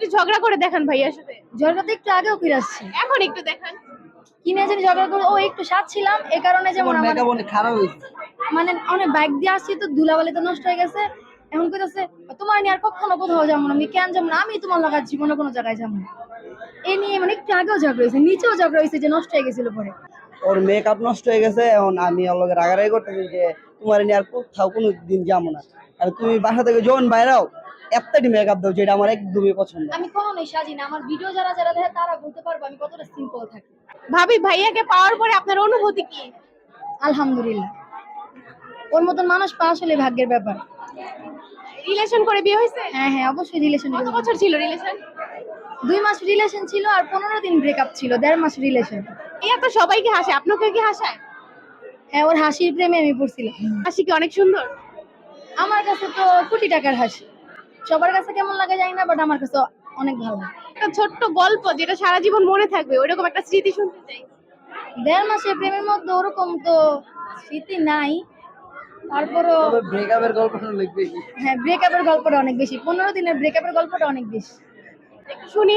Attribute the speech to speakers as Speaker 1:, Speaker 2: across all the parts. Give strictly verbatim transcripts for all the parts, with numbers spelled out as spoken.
Speaker 1: একটু ঝগড়া করে দেখান ভাইয়ার সাথে।
Speaker 2: ঝগড়া তো একটু আগেও করে আসছি,
Speaker 1: এখন একটু দেখান।
Speaker 2: কিনে জানি ঝগড়া করে ও একটু সাত ছিলাম এই কারণে, যেমন আমার
Speaker 3: মেকআপ অনেক খারাপ হয়েছে,
Speaker 2: মানে অনেক বাইক দিয়ে আসছি তো ধুলাবালি তো নষ্ট হয়ে গেছে। এখন কইতাছে তোমার নিয়ে আর কখনো কোথাও যাবো না, আমি কেন যাবো না, আমি তোমার লাগা জীবনে কোনো জায়গায় যাবো না। এই নিয়ে মানে একটু আগেও ঝগড়া হয়েছে, নিচেও ঝগড়া হয়েছে যে নষ্ট হয়ে গেছিল পরে।
Speaker 3: ওর মেকআপ নষ্ট হয়ে গেছে। এখন আমি ওর লগে রাগারাগি করতেছি যে তোমার নিয়ে আর কোথাও কোনো দিন যাবো না, আর তুমি বাসা থেকে যখন বাইরাও এতটাই মেকআপ দাও যেটা আমার একদমই পছন্দ।
Speaker 2: আমি কখনোই সাজি না, আমার ভিডিও যারা যারা দেখে তারা বলতে পারবো আমি কতটা সিম্পল থাকি।
Speaker 1: ভাবি ভাইয়াকে পাওয়ার পরে আপনার অনুভূতি কি?
Speaker 2: আলহামদুলিল্লাহ, ওর মতন মানুষ পাওয়া আসলে ভাগ্যের ব্যাপার।
Speaker 1: রিলেশন করে বিয়ে হয়েছে?
Speaker 2: হ্যাঁ হ্যাঁ অবশ্যই রিলেশন।
Speaker 1: কত বছর ছিল রিলেশন?
Speaker 2: দুই মাস রিলেশন ছিল আর পনেরো দিন ব্রেকআপ ছিল, দেড় মাস রিলেশন।
Speaker 1: এই তো সবাইকে হাসে, আপনাকে কি হাসায়?
Speaker 2: হ্যাঁ, ওর হাসির প্রেমে আমি পড়ছিলাম।
Speaker 1: হাসি কি অনেক সুন্দর?
Speaker 2: আমার কাছে তো কোটি টাকার হাসি, সবার কাছে কেমন লাগে জানি না, বাট আমার কাছে অনেক ভালো লাগে।
Speaker 1: একটা ছোট্ট গল্প যেটা সারা জীবন মনে থাকবে, ওইরকম একটা স্মৃতি শুনতে চাই।
Speaker 2: দেড় মাসের প্রেমের মধ্যে ওরকম তো স্মৃতি নাই, তারপরও
Speaker 3: ব্রেকআপের গল্পটা অনেক বেশি।
Speaker 2: হ্যাঁ, ব্রেকআপের গল্পটা অনেক বেশি, পনেরো দিনের ব্রেকআপের গল্পটা অনেক বেশি।
Speaker 1: একটু শুনি।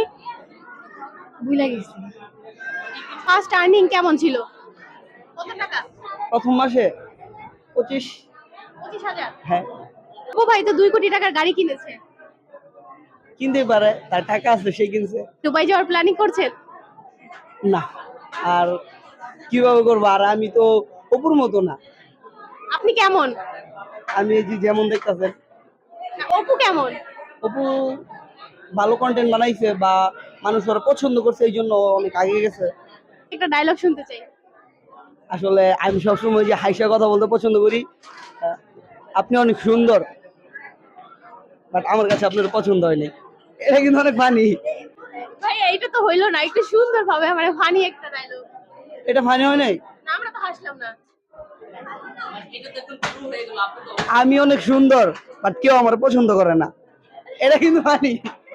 Speaker 2: ভুলে গেছি।
Speaker 1: ফার্স্ট আর্নিং কেমন ছিল? কত টাকা?
Speaker 3: প্রথম মাসে পঁচিশ।
Speaker 1: পঁচিশ হাজার?
Speaker 3: হ্যাঁ।
Speaker 1: ও ভাই তো দুই কোটি টাকার গাড়ি কিনেছে।
Speaker 3: কিনতে পারে, তার টাকা আছে, সে কিনছে।
Speaker 1: দুবাই যাওয়ার প্ল্যানিং করছেন?
Speaker 3: না, আর কিভাবে করবো, আর আমি তো অপুর মতো না।
Speaker 1: আপনি কেমন?
Speaker 3: আমি এই যে যেমন দেখতেছেন।
Speaker 1: অপু কেমন?
Speaker 3: অপু ভালো কন্টেন্ট বানাইছে বা মানুষ ওরা পছন্দ করছে, এই জন্য অনেক আগে গেছে।
Speaker 1: একটা ডায়লগ শুনতে চাই।
Speaker 3: আসলে আমি সবসময় যে হাইসা কথা বলতে পছন্দ করি। আহ, আপনি অনেক সুন্দর, বাট আমার কাছে আপনার পছন্দ হয়নি। এটা কিন্তু অনেক ফানি।
Speaker 1: ভাই এইটা তো হইলো না, একটু সুন্দর ভাবে আমার ফানি একটা ডায়লগ।
Speaker 3: এটা ফানি হয় নাই?
Speaker 1: না, আমরা তো হাসলাম না।
Speaker 3: আমি অনেক সুন্দর, বাট কেউ আমার পছন্দ করে না, এটা কিন্তু ফানি।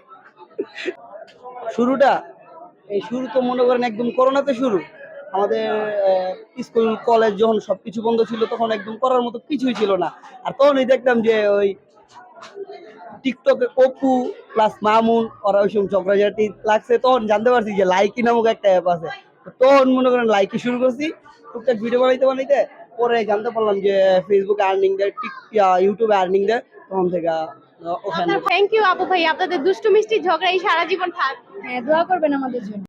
Speaker 3: শুরুটা, এই শুরু তো মনে করেন একদম করোনাতে শুরু। আমাদের স্কুল কলেজ যখন সবকিছু বন্ধ ছিল, তখন একদম করার মতো কিছুই ছিল না। আর তখনই দেখতাম যে ওই টিকটকে অপু প্লাস মামুন ওরা ওই সময় ঝগড়াঝাটি লাগছে, তখন জানতে পারছি যে লাইকি নামক একটা অ্যাপ আছে। তখন মনে করেন লাইকি শুরু করছি, টুকটাক ভিডিও বানাইতে বানাইতে পরে জানতে পারলাম যে ফেসবুকে আর্নিং দেয়, টিক ইউটিউবে আর্নিং দেয়, তখন থেকে ওখানে।
Speaker 1: থ্যাংক ইউ আপু ভাই, আপনাদের দুষ্টু মিষ্টি ঝগড়া এই সারা জীবন থাক।
Speaker 2: হ্যাঁ, দোয়া করবেন আমাদের জন্য।